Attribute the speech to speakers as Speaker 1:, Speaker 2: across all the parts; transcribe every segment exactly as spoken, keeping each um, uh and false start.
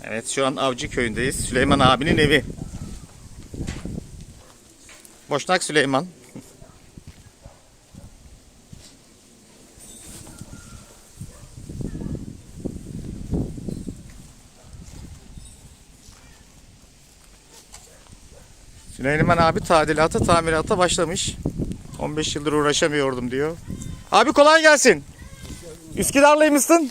Speaker 1: Evet, şu an Avcı köyündeyiz. Süleyman abinin evi. Boşnak Süleyman. Süleyman abi tadilata, tamirata başlamış. on beş yıldır uğraşamıyordum diyor. Abi kolay gelsin. Üsküdar'lıymışsın.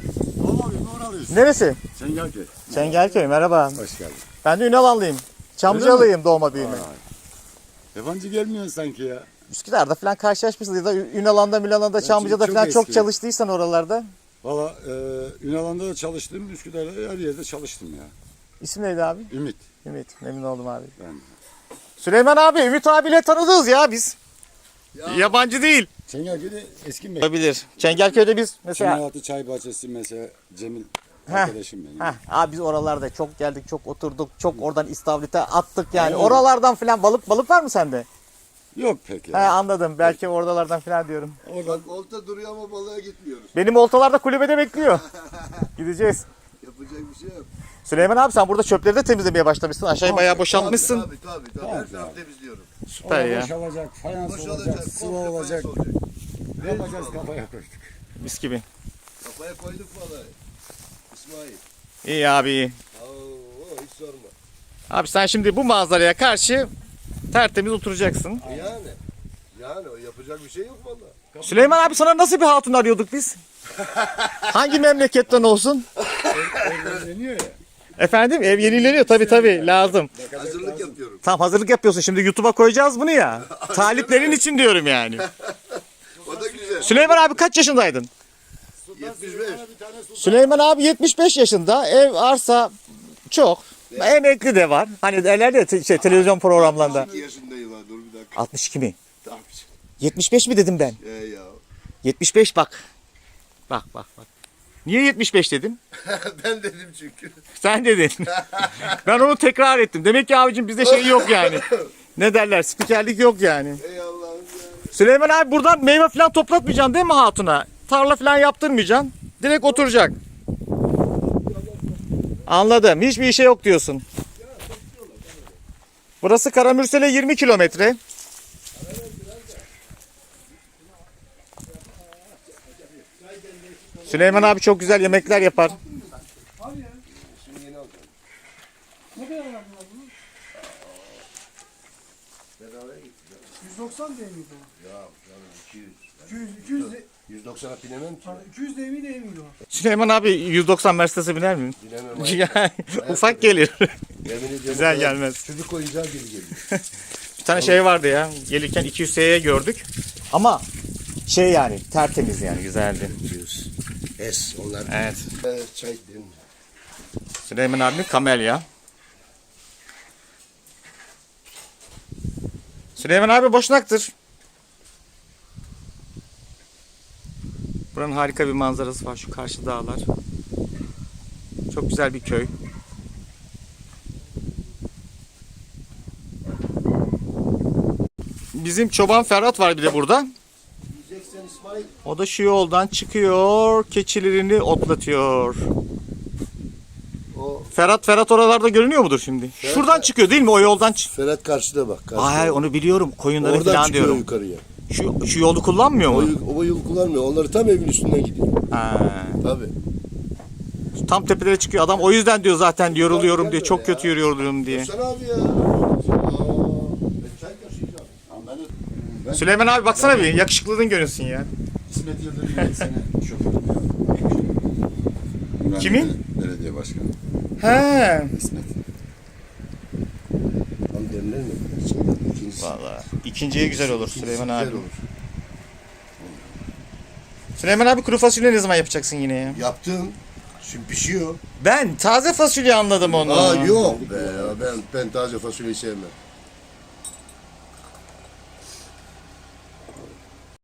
Speaker 1: Neresi?
Speaker 2: Çengelköy.
Speaker 1: Çengelköy, merhaba.
Speaker 2: Hoş geldin.
Speaker 1: Ben de Ünalanlıyım. Çamlıcalıyım doğma büyüme.
Speaker 2: Yabancı gelmiyorsun sanki ya.
Speaker 1: Üsküdar'da falan karşılaşmışsınız ya da Ünalan'da, Milan'da, Çamlıca'da
Speaker 2: çok
Speaker 1: falan çok
Speaker 2: eski.
Speaker 1: çalıştıysan oralarda.
Speaker 2: Valla e, Ünalan'da da çalıştım, Üsküdar'da her yerde çalıştım ya.
Speaker 1: İsim neydi abi?
Speaker 2: Ümit.
Speaker 1: Ümit. Memnun oldum abi.
Speaker 2: Ben.
Speaker 1: Süleyman abi, Ümit abiyle tanıdığız ya biz.
Speaker 2: Ya.
Speaker 1: Yabancı değil.
Speaker 2: Çengelköy'de eski mekan.
Speaker 1: Olabilir. Çengelköy'de biz mesela...
Speaker 2: Çınaraltı Çay Bahçesi mesela Cemil
Speaker 1: Heh.
Speaker 2: arkadaşım benim.
Speaker 1: Heh, abi biz oralarda çok geldik, çok oturduk, çok oradan istavrite attık yani.
Speaker 2: Aynen.
Speaker 1: Oralardan falan balık balık var mı sende?
Speaker 2: Yok pek
Speaker 1: He
Speaker 2: ya.
Speaker 1: anladım. Belki oralardan falan diyorum.
Speaker 2: Oradan
Speaker 3: Olta duruyor ama balığa gitmiyoruz.
Speaker 1: Benim oltalar da kulübede bekliyor. Gideceğiz.
Speaker 3: Yapacak bir şey yok.
Speaker 1: Süleyman abi sen burada çöpleri de temizlemeye başlamışsın. Aşağıyı bayağı boşaltmışsın.
Speaker 3: Tabii tabii tabii.
Speaker 2: Tamam,
Speaker 3: Her tarafı
Speaker 2: abi.
Speaker 3: temizliyorum.
Speaker 1: Süper ya.
Speaker 2: boşalacak, fayans olacak,
Speaker 3: Boşalacak,
Speaker 2: sıva
Speaker 3: komple
Speaker 2: olacak.
Speaker 3: fayans olacak.
Speaker 2: Yapacağız, kafaya koyduk.
Speaker 1: Mis gibi.
Speaker 3: Kafaya koyduk balığı. İsmail.
Speaker 1: İyi abi iyi.
Speaker 3: Oo, hiç sorma.
Speaker 1: Abi sen şimdi bu manzaraya karşı tertemiz oturacaksın.
Speaker 3: Yani. Yani o yapacak bir şey yok valla.
Speaker 1: Süleyman abi sana nasıl bir hatun arıyorduk biz? Hangi memleketten olsun?
Speaker 2: Evleniyor ya.
Speaker 1: Efendim ev yenileniyor tabii tabii lazım.
Speaker 3: Hazırlık yapıyorum.
Speaker 1: Tam hazırlık yapıyorsun şimdi YouTube'a koyacağız bunu ya. Taliplerin için diyorum yani.
Speaker 3: O da güzel.
Speaker 1: Süleyman abi kaç yaşındaydın?
Speaker 3: yetmiş beş.
Speaker 1: Süleyman abi yetmiş beş yaşında. Ev, arsa çok. Emekli de var. Hani derler ya te- şey, televizyon programlarında.
Speaker 3: iki yaşındayım ha, dur bir dakika.
Speaker 1: altmış iki mi?
Speaker 3: Tabii.
Speaker 1: yetmiş beş mi dedim ben?
Speaker 3: Ee ya.
Speaker 1: yetmiş beş bak. Bak bak bak. Niye yetmiş beş dedim?
Speaker 3: Ben dedim çünkü.
Speaker 1: Sen dedin. Ben onu tekrar ettim. Demek ki abicim bizde şey yok yani. Ne derler? Spikerlik yok yani.
Speaker 3: Ey Allah'ım ya.
Speaker 1: Süleyman abi buradan meyve falan toplatmayacaksın değil mi hatuna? Tarla falan yaptırmayacaksın. Direkt oturacak. Anladım. Hiçbir işe yok diyorsun. Burası Karamürsel'e yirmi kilometre. Süleyman abi çok güzel yemekler yapar.
Speaker 3: Şimdi yeni alacağım.
Speaker 4: Ne kadar verdin bunu?
Speaker 3: Bedavaya gitti.
Speaker 4: yüz doksan değil miydi o?
Speaker 3: Ya canım iki yüz.
Speaker 4: iki yüz, iki yüz, de,
Speaker 3: yüz doksana binemem ki.
Speaker 4: pardon, iki yüz değil miydi değil miydi o?
Speaker 1: Süleyman abi yüz doksan Mercedes'e biner mi?
Speaker 3: Bilemem.
Speaker 1: Yani ufak gelir.
Speaker 3: Yemin ediyorum.
Speaker 1: Güzel
Speaker 3: o kadar
Speaker 1: gelmez.
Speaker 3: Çocuk oyuncağı gibi geliyor.
Speaker 1: Bir tane şey vardı ya. Gelirken iki yüz S'ye gördük. Ama şey yani tertemiz yani güzeldi.
Speaker 3: yüz. Es onlar.
Speaker 1: Evet.
Speaker 3: Evet, çay dedim.
Speaker 1: Süleyman abi kamelya. Süleyman abi boşnaktır. Buranın harika bir manzarası var. Şu karşı dağlar. Çok güzel bir köy. Bizim çoban Ferhat var bir de burada.
Speaker 3: Yiyeceksen İsmail.
Speaker 1: O da şu yoldan çıkıyor. Keçilerini otlatıyor.
Speaker 3: O
Speaker 1: Ferhat Ferhat oralarda görünüyor mudur şimdi? Şuradan çıkıyor değil mi? O yoldan çık.
Speaker 3: Ferhat karşıda bak. Karşıda.
Speaker 1: Ay onu biliyorum. Koyunları
Speaker 3: Oradan
Speaker 1: falan
Speaker 3: çıkıyor
Speaker 1: diyorum.
Speaker 3: yukarıya.
Speaker 1: Şu, şu yolu kullanmıyor
Speaker 3: O,
Speaker 1: mu?
Speaker 3: yol- o yol kullanmıyor. Onları tam evin üstünden gidiyor.
Speaker 1: Ha.
Speaker 3: Tabii.
Speaker 1: Tam tepelere çıkıyor adam. O yüzden diyor zaten yoruluyorum
Speaker 3: Gel
Speaker 1: diyor.
Speaker 3: böyle
Speaker 1: Çok
Speaker 3: ya.
Speaker 1: kötü yoruluyorum diye.
Speaker 3: Sen abi ya. Aa, ben çay taşıyacağım.
Speaker 2: Ama ben, ben
Speaker 1: Süleyman abi baksana bir. Yakışıklılığın görünsün ya.
Speaker 2: İsmet Yıldırım yedi sene şoförüm ya.
Speaker 1: Kimin?
Speaker 2: Belediye başkanı.
Speaker 1: He.
Speaker 2: İsmet.
Speaker 3: Tam demler mi? İkincisi.
Speaker 1: Vallahi ikinciye güzel olur Süleyman
Speaker 3: güzel
Speaker 1: abi.
Speaker 3: olur.
Speaker 1: Süleyman abi kuru fasulye ne zaman yapacaksın yine ya?
Speaker 3: Yaptım. Şimdi pişiyor.
Speaker 1: Ben taze fasulye anladım onu.
Speaker 3: Aa yok be ya. Ben, ben taze fasulyeyi sevmem.